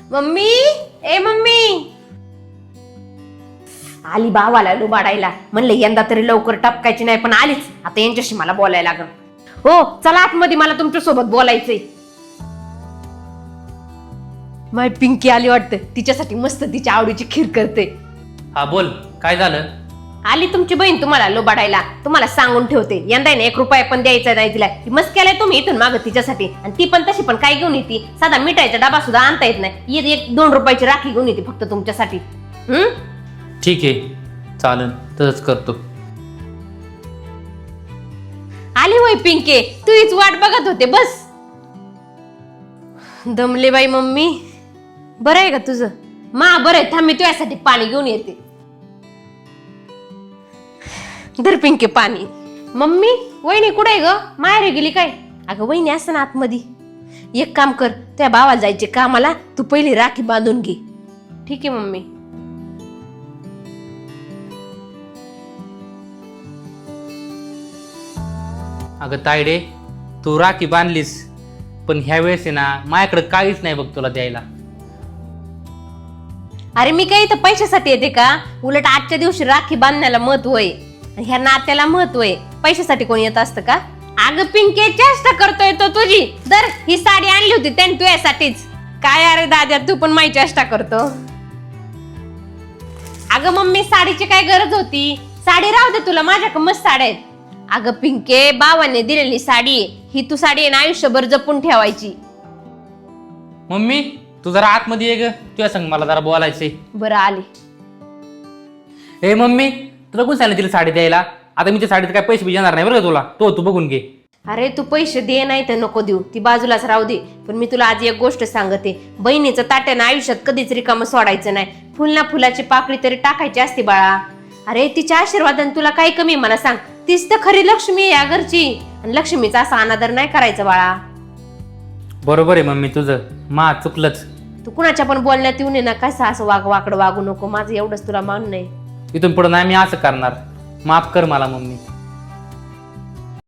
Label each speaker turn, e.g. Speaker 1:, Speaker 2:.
Speaker 1: Mummy, ए mummy, आली भावाला लुबाडायला. म्हणलं यंदा तरी लवकर टपकायची नाही, पण आलीच. आता यांच्याशी मला बोलायला लागल. हो चला आतमध्ये, मला तुमच्या सोबत बोलायचंय. माय पिंकी आली वाटतं, तिच्यासाठी मस्त तिच्या आवडीची खीर करते.
Speaker 2: हा बोल, काय झालं?
Speaker 1: आली तुमची बहीण तुम्हाला लोबाडायला. तुम्हाला सांगून ठेवते, यंदा नाही 1 रुपया पण द्यायचा नाही तिला. मस्त केलाय तुम्ही इथून माग तिच्यासाठी. आणि ती पण तशी पण काय घेऊन येते, साधा मिठाईचा डबा सुद्धा आणता येत नाही. 1-2 रुपयाची राखी घेऊन येते फक्त तुमच्यासाठी.
Speaker 2: ठीक आहे, चालन, तसंच करतो.
Speaker 1: आली होय पिंके, तू हीच वाट बघत होते. बस दमले बाई मम्मी. बरं आहे का तुझं? मा बरं आहे, थांब मी तुझ्यासाठी पाणी घेऊन येते. धर पिंके पाणी. मम्मी, वहिनी कुठे आहे ग? माहेरी गेली काय? अगं वहिनी असं ना आतमध्ये. एक काम कर, त्या भावाला जायचे कामाला, तू पहिली राखी बांधून घे. ठीक आहे मम्मी.
Speaker 2: अगं तायडे, तू राखी बांधलीस, पण ह्या वेळेस आहे ना माझ्याकडे काहीच नाही बघ तुला द्यायला.
Speaker 1: अरे मी काही तर पैशासाठी येते का? उलट आजच्या दिवशी राखी बांधण्याला महत्व आहे, ह्या नात्याला महत्व आहे. पैशासाठी कोणी येत असतं का? अगं पिंके, चेष्टा करतोय तो तुझी. दर ही साडी आणली होती त्याने तुझ्यासाठीच. काय अरे दाद्या, तू पण माझी चेष्टा करतो. अगं मम्मी, साडीची काय गरज होती? साडी राहू दे तुला, माझ्याकडे मस्त साड्या आहेत. अगं पिंके, बाबांनी दिलेली साडी ही, तू साडी आहे ना आयुष्यभर जपून ठेवायची.
Speaker 2: मम्मी, तू जरा आतमध्ये ये ग, तुझ्या संग मला जरा बोलायचंय.
Speaker 1: बरं आली.
Speaker 2: ए मम्मी, तुला कोण सांगितलं तिला साडी द्यायला? आता मी त्या साडीत काय पैसे येणार नाही बरं का तुला. तू बघून घे.
Speaker 1: अरे तू पैसे दे नाही तर नको देऊ, ती बाजूलाच राहू दे. पण मी तुला आज एक गोष्ट सांगते, बहिणीचं ताट्यानं आयुष्यात कधीच रिकामं सोडायचं नाही. फुल ना फुलाची पाकळी तरी टाकायची असते बाळा. अरे तिच्या आशीर्वादाने तुला काय कमी मला सांग? तीच तर खरी लक्ष्मी आहे या घरची, आणि लक्ष्मीचा असा अनादर नाही करायचा बाळा.
Speaker 2: बरोबर आहे मम्मी तुझं, मा चुकलंच.
Speaker 1: तू कुणाच्या पण बोलण्यात येऊन ये ना, कसं असं वाकडं वागू नको. माझं एवढंच तुला मानणं आहे.
Speaker 2: इथून पुढे नाही मी असं करणार. माफ कर मला मम्मी.